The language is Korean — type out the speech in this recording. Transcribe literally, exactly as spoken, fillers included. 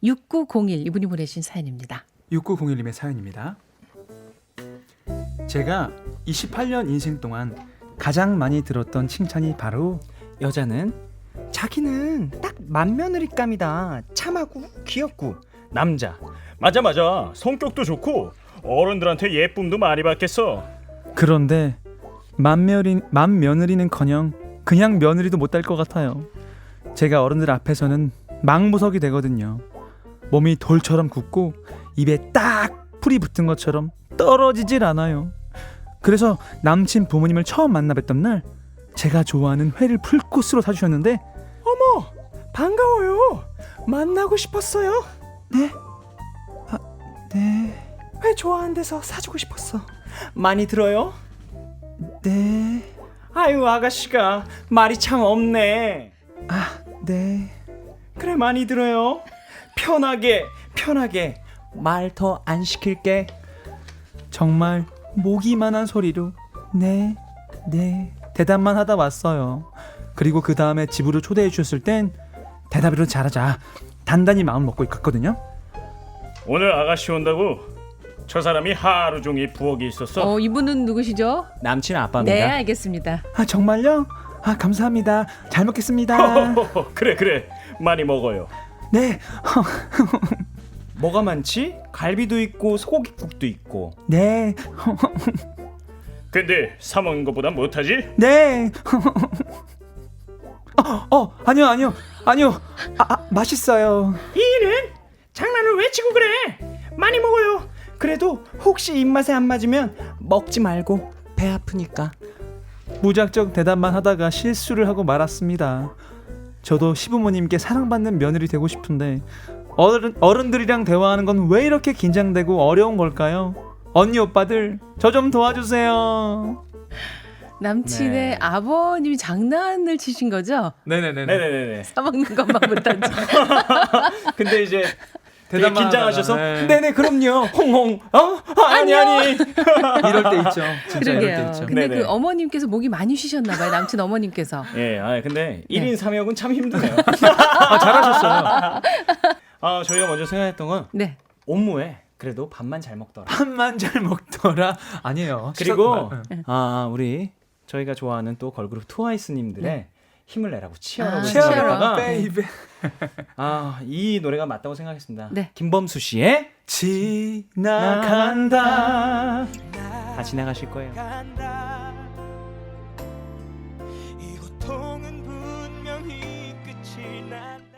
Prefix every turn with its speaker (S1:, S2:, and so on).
S1: 육구공일 이분이 보내신 사연입니다.
S2: 육구공일님의 사연입니다. 제가 이십팔 년 인생 동안 가장 많이 들었던 칭찬이 바로
S3: 여자는 자기는 딱 맏며느리감이다. 참하고 귀엽고. 남자
S4: 맞아 맞아 성격도 좋고 어른들한테 예쁨도 많이 받겠어.
S2: 그런데 맏며느리, 맏며느리는커녕 그냥 며느리도 못 될 것 같아요. 제가 어른들 앞에서는 망부석이 되거든요. 몸이 돌처럼 굳고 입에 딱 풀이 붙은 것처럼 떨어지질 않아요. 그래서 남친 부모님을 처음 만나 뵀던 날 제가 좋아하는 회를 풀코스로 사주셨는데
S3: 어머 반가워요. 만나고 싶었어요.
S2: 네? 아, 네...
S3: 회 좋아하는 데서 사주고 싶었어. 많이 들어요?
S2: 네...
S3: 아유 아가씨가 말이 참 없네.
S2: 아, 네...
S3: 그래 많이 들어요. 편하게 편하게 말 더 안 시킬게.
S2: 정말 모기만한 소리로 네, 네 대답만 하다 왔어요. 그리고 그 다음에 집으로 초대해 주셨을 땐 대답이라도 잘하자 단단히 마음 먹고 갔거든요.
S4: 오늘 아가씨 온다고 저 사람이 하루 종일 부엌에 있었어.
S1: 어, 이분은 누구시죠?
S3: 남친 아빠입니다.
S1: 네, 알겠습니다.
S2: 아 정말요? 아 감사합니다. 잘 먹겠습니다.
S4: 그래 그래 많이 먹어요.
S2: 네,
S3: 뭐가 많지? 갈비도 있고 소고기국도 있고.
S2: 네,
S4: 근데 사 먹는 것보다 못하지?
S2: 네. 어, 어 아니요 아니요 아니요 아, 아, 맛있어요.
S3: 이는 장난을 왜 치고 그래? 많이 먹어요. 그래도 혹시 입맛에 안 맞으면 먹지 말고 배 아프니까.
S2: 무작정 대답만 하다가 실수를 하고 말았습니다. 저도 시부모님께 사랑받는 며느리 되고 싶은데 어른, 어른들이랑 대화하는 건 왜 이렇게 긴장되고 어려운 걸까요? 언니 오빠들 저 좀 도와주세요.
S1: 남친의
S3: 네.
S1: 아버님이 장난을 치신 거죠?
S2: 네네네.
S4: 네네네.
S1: 사먹는 것만 못하지.
S3: 근데 이제
S4: 되게 긴장하셔서
S2: 네.
S3: 네네 그럼요. 홍홍. 어? 아, 아니 아니.
S2: 이럴 때 있죠. 진짜 이럴 때
S1: 그러게요.
S2: 있죠.
S1: 근데
S4: 네네.
S1: 그 어머님께서 목이 많이 쉬셨나 봐요. 남친 어머님께서.
S4: 예, 아 근데 일 인 삼 역은 참 힘드네요.
S2: 아, 잘하셨어요.
S3: 아 저희가 먼저 생각했던 건
S1: 네.
S3: 옴무에 그래도 밥만 잘 먹더라.
S2: 밥만 잘 먹더라. 아니에요.
S3: 그리고
S2: 시작- 네.
S3: 아 우리 저희가 좋아하는 또 걸그룹 트와이스님들의
S1: 네.
S3: 힘을 내라고 치열하고
S1: 아,
S3: 생각했다가
S2: 베이베.
S3: 아이 노래가 맞다고 생각했습니다.
S1: 네.
S3: 김범수 씨의
S2: 지나간다.
S3: 다 지나가실 거예요.
S5: 이 고통은 분명히 끝이 난다.